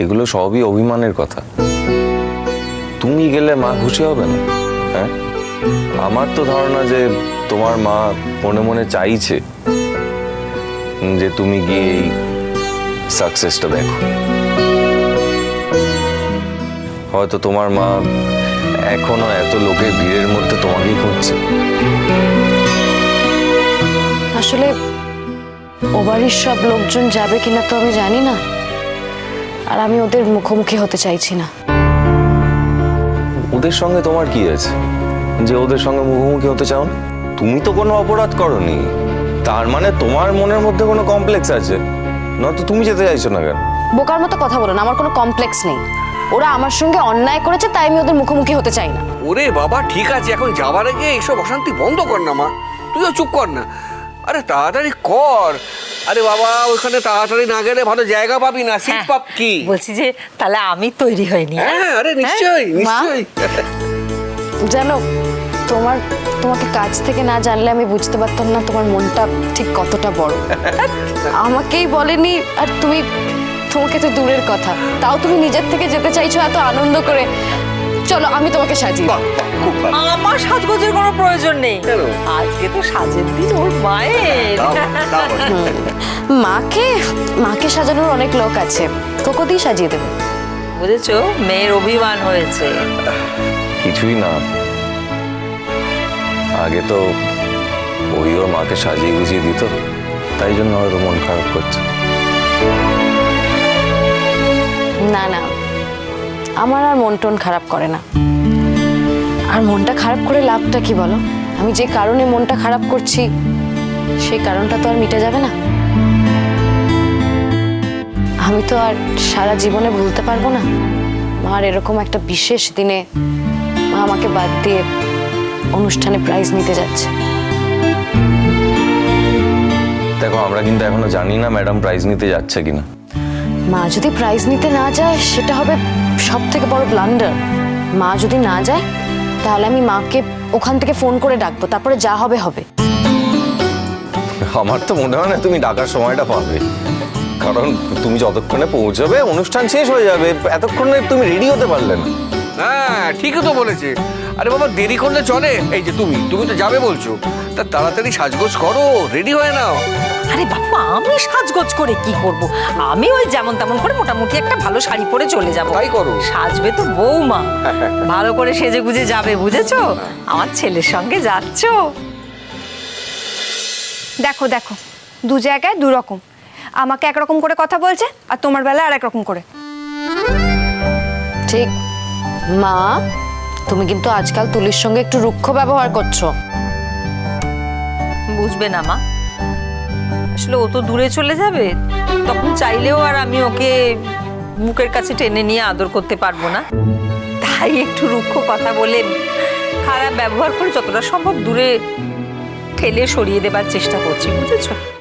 এগুলো সবই অভিমানের কথা। তুমি গেলে মা খুশি হবে না? হ্যাঁ, আমার তো ধারণা যে তোমার মা মনে মনে চাইছে যে তুমি গিয়ে এই সাকসেসটা দেখো। হয়তো তোমার মা এখনো এত লোকের ভিড়ের মধ্যে তোমাকেই খুঁজছে। আসলে ও বাড়ির সব লোকজন যাবে কিনা তো আমি জানি না, আর আমি ওদের মুখোমুখি হতে চাইছি না। ওদের সঙ্গে তোমার কি আছে যে ওদের সঙ্গে মুখোমুখি হতে চাও না? তুমি তো কোনো অপরাধ করনি, তার মানে তোমার মনের মধ্যে কোনো কমপ্লেক্স আছে, নয়তো তুমি যেতে চাইছো না কেন? বোকার মতো কথা বলো না, আমার কোনো কমপ্লেক্স নেই। ওরা আমার সঙ্গে অন্যায় করেছে, তাই আমি ওদের মুখোমুখি হতে চাই না। ওরে বাবা, ঠিক আছে, এখন যাবার আগে এইসব অশান্তি বন্ধ কর না মা, তুইও চুপ কর না। আরে তাড়াতাড়ি কর। আরে বাবা, ওইখানে তাড়াতাড়ি না গেলে ভালো জায়গা পাবি না, সিট পাব কি? বলছি যে তাহলে আমি তৈরি হইনি। হ্যাঁ, আরে নিশ্চয়ই নিশ্চয়ই। জানো, তোমাকে কাছ থেকে না জানলে আমি বুঝতে পারতাম না তোমার মনটা ঠিক কতটা বড়। আমাকেই বলেনি, আর তোমাকে তো দূরের কথা, তাও তুমি নিজের থেকে যেতে চাইছো এত আনন্দ করে। চলো, আমি তোমাকে সাজিয়ে বাহ, খুব ভালো। আমার সাজগোজের কোনো প্রয়োজন নেই, কেন? আজকে তো সাজের দিন ওর মায়ের। মাকে সাজানোর অনেক লোক আছে, তোকেই সাজিয়ে দেবে। বুঝেছো, মেয়ের অভিমান হয়েছে। কিছুই না, আগে তো ওই ওর মাকে সাজিয়ে গুজিয়ে দিত, তাই জন্য হয়তো মন খারাপ করছে। না না, আমার আর মন টন খারাপ করে না। আর মনটা খারাপ করে লাভটা কি বলো? আমি যে কারণে মনটা খারাপ করছি সেই কারণটা তো আর মিটে যাবে না। আমি তো আর সারা জীবনে ভুলতে পারবো না। আর এরকম একটা বিশেষ দিনে মা আমাকে বাদ দিয়ে অনুষ্ঠানে প্রাইজ নিতে যাচ্ছে। দেখো, আমরা কিন্তু এখনো জানি না ম্যাডাম প্রাইজ নিতে যাচ্ছে কিনা। মা যদি প্রাইজ নিতে না যায় সেটা হবে সব থেকে বড় ব্লান্ডার। মা যদি না যায় তাহলে আমি মাকে ওখান থেকে ফোন করে ডাকবো, তারপরে যা হবে হবে। আমার তো মনে হয় না তুমি ডাকার সময়টা পাবে, কারণ তুমি যতক্ষণে পৌঁছবে অনুষ্ঠান শেষ হয়ে যাবে, এতক্ষণে তুমি রেডি হতে পারলে না। হ্যাঁ, ঠিকই তো বলেছে। আরে বাবা, দেরি করলে চলে? এই যে তুমি তো যাবে বলছো, তা তাড়াতাড়ি সাজগোজ করো, রেডি হয়ে নাও। আরে বাবা, আমি সাজগোজ করে কি করব? আমি ওই যেমন তেমন করে মোটামুটি একটা ভালো শাড়ি পরে চলে যাব। তাই করো। সাজবে তো বৌমা, ভালো করে সেজে গুজে যাবে, বুঝেছো? আমার ছেলের সঙ্গে যাচ্ছ। দেখো দেখো, দু জায়গায় দু রকম। আমাকে একরকম করে কথা বলছে, আর তোমার বেলা আর একরকম করে। ঠিক। মা, তুমি কিন্তু আজকাল তুলির সঙ্গে একটু রুক্ষ ব্যবহার করছো। বুঝবে না মা, আসলে ও তো দূরে চলে যাবে, তখন চাইলেও আর আমি ওকে মুখের কাছে টেনে নিয়ে আদর করতে পারবো না। তাই একটু রুক্ষ কথা বলে, খারাপ ব্যবহার করে যতটা সম্ভব দূরে ঠেলে সরিয়ে দেবার চেষ্টা করছি, বুঝেছো?